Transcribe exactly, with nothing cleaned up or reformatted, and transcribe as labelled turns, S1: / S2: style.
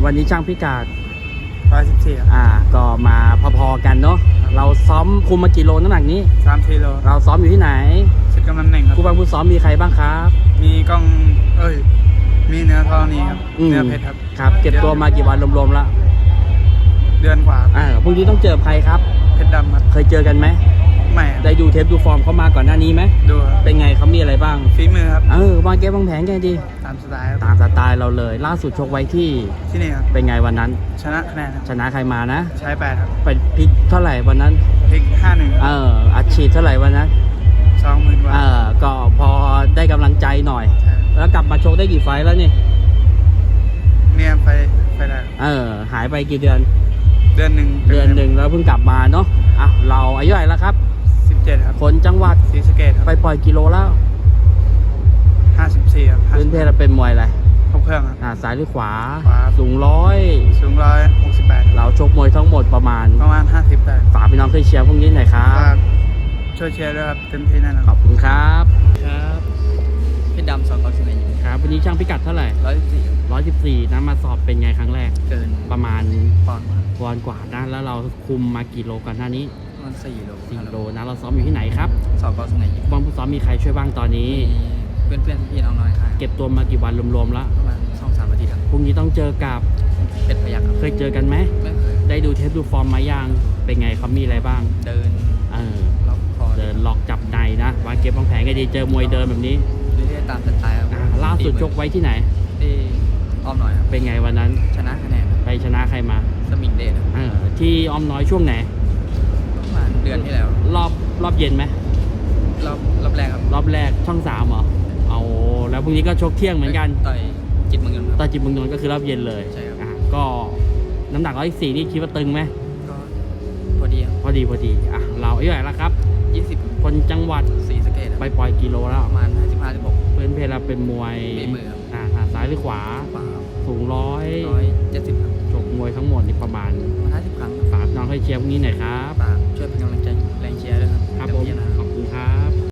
S1: วันนี้ช่างพิกัด
S2: ร้อยสิบสี่
S1: อ่าก็มาพอๆกันเนาะเราซ้อมคุมมากี่โลน้ำหนักนี้
S2: สามกิโล
S1: เราซ้อมอยู่ที่ไหน
S2: สิบกำลังหนึ่งครับ
S1: ผู้บังผู้ซ้อมมีใครบ้างครับ
S2: มีกล้องเอ้ยมีเนื้อทองนี้ครับเนื้อเพชรครับ
S1: ครับเก็บตัวมากี่วันรวมๆแล้ว
S2: เดือนกว่า
S1: อ่าพรุ่งนี้ต้องเจอใครครับ
S2: เพชรดำครับ
S1: เคยเจอกันไหม
S2: ไม่
S1: ได้ดูเทปดูฟอร์มเขามาก่อนหน้านี้ไหม
S2: ดู
S1: เป็นไงเขามีอะไรบ้าง
S2: ฝีมือครับ
S1: เออวางเกมวางแผนกันดี
S2: ตามสไตล์
S1: ตามสไตล์เราเลยล่าสุดชกไว้ที่
S2: ที่นี่ครับ
S1: เป็นไงวันนั้น
S2: ชนะคะแนน
S1: ชนะใครมานะ
S2: ใช้แปดครับ
S1: ไปพลิกเท่าไหร่วันนั้น
S2: พลิกห้าหนึ่ง
S1: เอออัดฉีดเท่าไหร่วันนั้น
S2: สองหมื่นกว่า
S1: เออก็พอได้กำลังใจหน่อยแล้วกลับมาชกได้กี่ไฟล์แล้วนี่
S2: เนี่ยไปไปได้
S1: เออหายไปกี่เดือน
S2: เดือนหนึ่ง
S1: เดือนหนึ่งแล้วเพิ่งกลับมาเนาะอ่ะเราอายุเท่าไหร่แล้วครับ
S2: สิบเจ็ดครับ
S1: คนจังหวัด
S2: ศรีสะเกษครับ
S1: ไปปล่อยกิโลแล้ว
S2: ห้าสิบสี่ครับ
S1: พื้นเพเราเป็นมวยอะไร
S2: ครบเครื่องครับ
S1: อ่าซ้ายหรือขวา
S2: ขวา
S1: สูงร้อย
S2: สูงร้อยหกสิบแปด
S1: เราชกมวยทั้งหมดประมาณ
S2: ประมาณห้าสิบได้
S1: ฝากพี่น้องช่วยเชียร์พวกนี้หน่อยครับ
S2: ช่วยเชียร์ด้วยครับเต็มที่แน่นอน
S1: ขอบคุณครับ
S3: ครับเพชรดำสองเก้าสิบเอ็ด
S1: ครับวันนี้ช่างพิกัดเท่าไหร่
S3: ร้อยสิบสี่
S1: ร้อยสิบสี่นะมาสอบเป็นไงครั้งแรก
S3: เกิน
S1: ประมาณ
S3: ปอนด์
S1: ปอนด์กว่านะแล้วเราคุมมากี่โลก่อนหน้านี้
S3: ประมาณสี่โล
S1: สี่โลนะเราซ้อมอยู่ที่ไหนครับ
S3: สองเก้าสิบเอ็ด
S1: บอลผู้ซ้อมมีใครช่วยบ้างตอนนี้
S3: เพื่อนเพื่อนพี่น้องน้อยค่ะ
S1: เก็บตัวมากี่วันรวมๆแล้ว
S3: ประมาณสองสามอาทิตย์ครับ
S1: พรุ่งนี้ต้องเจอกับ
S3: เป็ดพยัคฆ์
S1: เคยเจอกันไหม
S3: ไม่เคย
S1: ได้ดูเทปดูฟอร์มมายังเป็นไงเขามีอะไรบ้าง
S3: เดิน
S1: เออ
S3: ล็อกคอ
S1: เดินล็อกจับในนะวางเก็บวางแผนก็ดีเจอมวยเดินแบบนี้
S3: เรื่อยๆตามสไตล์ครับ
S1: ล่าสุดชกไว้ที่ไหน
S3: ที่อ้อมน้อยครับ
S1: เป็นไงวันนั้น
S3: ชนะคะแนน
S1: ไปชนะใครมา
S3: สมิงเดช
S1: เออที่อ้อมน้อยช่วงไหน
S3: ประมาณเดือนที่แล้ว
S1: รอบรอบเย็นไหม
S3: รอบรอบแรกครับ
S1: รอบแรกช่องสามเหรอเอาแล้วพรุ่งนี้ก็ชกเที่ยงเหมือนกัน
S3: ต่อยจิตเมืองนนท์
S1: ต่อยจิตเมืองนนท์ก็คือรอบเย็นเลย
S3: ใช่ครับ
S1: ก็น้ำหนักร้อยสี่นี่คิดว่าตึงไหม
S3: ก็พอดี
S1: พอดีพอดีอ่ะเราอายุเท่าไหร่แล้วครับ
S3: ยี่สิบ
S1: คนจังหวัด
S3: ศรีสะเกษ
S1: ไปปล่อยกิโลแล้ว
S3: ประมาณห้าสิบห้าสิบหก
S1: เพื่อนเพลเราเป็นมวย
S3: มือ
S1: อ่าซ้ายหรือขวา
S3: ขวา
S1: สูงร้อย
S3: ร้อยเจ็ดสิบ
S1: จบมวยทั้งหมดนี่ประมาณ
S3: ห้าสิบครั้ง
S1: ฝากน้องให้เชียร์พวกนี้หน่อยครับ
S3: ฝากช่วยเป็นกำลังใจแรงเชียร์ด้วยครับ
S1: ครับผมขอบคุณครับ